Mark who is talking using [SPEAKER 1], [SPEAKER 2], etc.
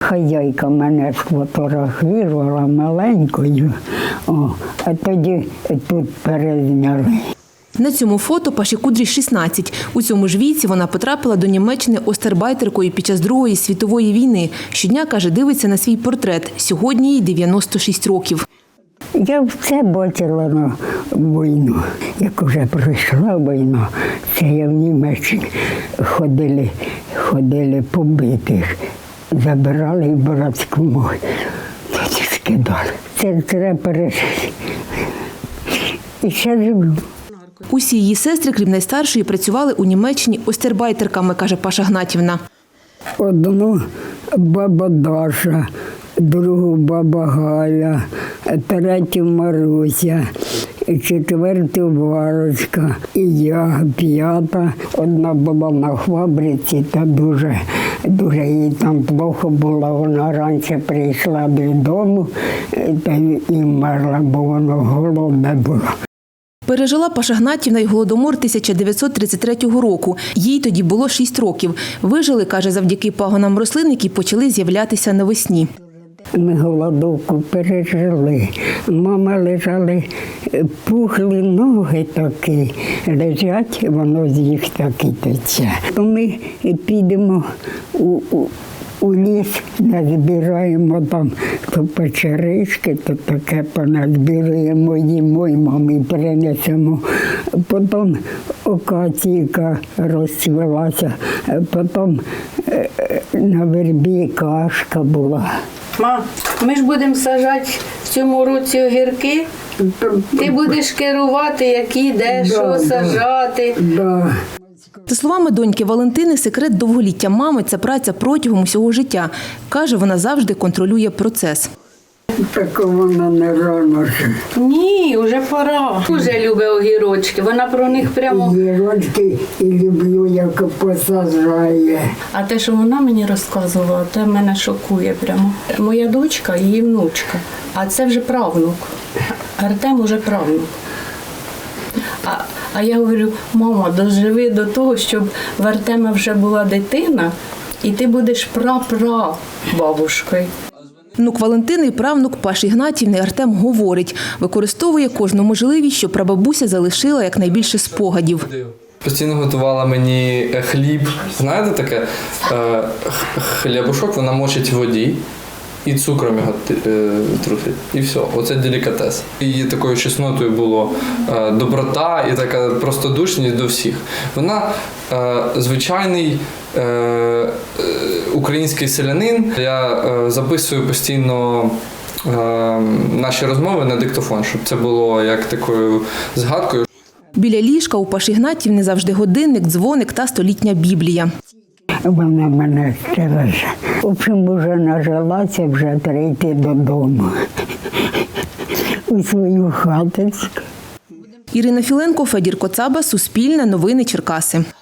[SPEAKER 1] хазяйка мене сфотографувала маленькою, а тоді тут перезняли.
[SPEAKER 2] На цьому фото Паші Кудрі 16. У цьому ж віці вона потрапила до Німеччини остарбайтеркою під час Другої світової війни. Щодня, каже, дивиться на свій портрет. Сьогодні їй 96 років.
[SPEAKER 1] Я все бачила на війну. Як вже пройшла війна, це я в Німеччині ходили побитих, забирали в братську мову, тоді скидали. Це треба пережити. І ще живу.
[SPEAKER 2] Усі її сестри, крім найстаршої, працювали у Німеччині остарбайтерками, каже Паша Гнатівна.
[SPEAKER 1] Одну баба Даша, другу баба Галя, третю Маруся, четверту Варочка, і я, п'ята. Одна була на фабриці, та дуже їй там плохо було. Вона раніше прийшла додому та і вмерла, бо воно голодне було.
[SPEAKER 2] Пережила Паша Гнатівна й Голодомор 1933 року. Їй тоді було 6 років. Вижили, каже, завдяки пагонам рослин, які почали з'являтися навесні.
[SPEAKER 1] Ми голодовку пережили. Мама лежали, пухли ноги такі, лежать, воно з їх так і тече. Ми підемо у ліс, назбираємо там то печерички, то таке поназбираємо, їмо й мамі принесемо. Потім акаційка розцвілася, потім на вербі кашка була.
[SPEAKER 3] Ма, ми ж будемо саджати в цьому році огірки. Ти будеш керувати, які, де, що саджати.
[SPEAKER 1] Да.
[SPEAKER 2] За словами доньки Валентини, секрет довголіття мами – це праця протягом усього життя. Каже, вона завжди контролює процес.
[SPEAKER 1] Так вона не рано.
[SPEAKER 3] Ні, вже пора. Дуже любить огірочки, вона про них прямо...
[SPEAKER 1] Огірочки і люблю, як посаджає.
[SPEAKER 3] А те, що вона мені розказувала, те мене шокує прямо. Моя дочка, її внучка, а це вже правнук. Артем уже правнук. А я говорю, мама, доживи до того, щоб в Артема вже була дитина, і ти будеш прапрабабушкою.
[SPEAKER 2] Внук Валентини і правнук Паші Гнатівни Артем говорить, використовує кожну можливість, що прабабуся залишила якнайбільше спогадів.
[SPEAKER 4] Постійно готувала мені хліб. Знаєте таке? Хлібушок вона мочить в воді і цукром його трусить. І все. Оце делікатес. Її такою чеснотою було доброта і така простодушність до всіх. Вона звичайний український селянин. Я записую постійно наші розмови на диктофон, щоб це було як такою згадкою.
[SPEAKER 2] Біля ліжка у Паші Гнатівни завжди годинник, дзвоник та столітня Біблія.
[SPEAKER 1] Вона мене стереже. В общем, вже нажилася, вже треба йти додому. У свою хаточку.
[SPEAKER 2] Ірина Філенко, Федір Коцаба, Суспільне, Новини Черкаси.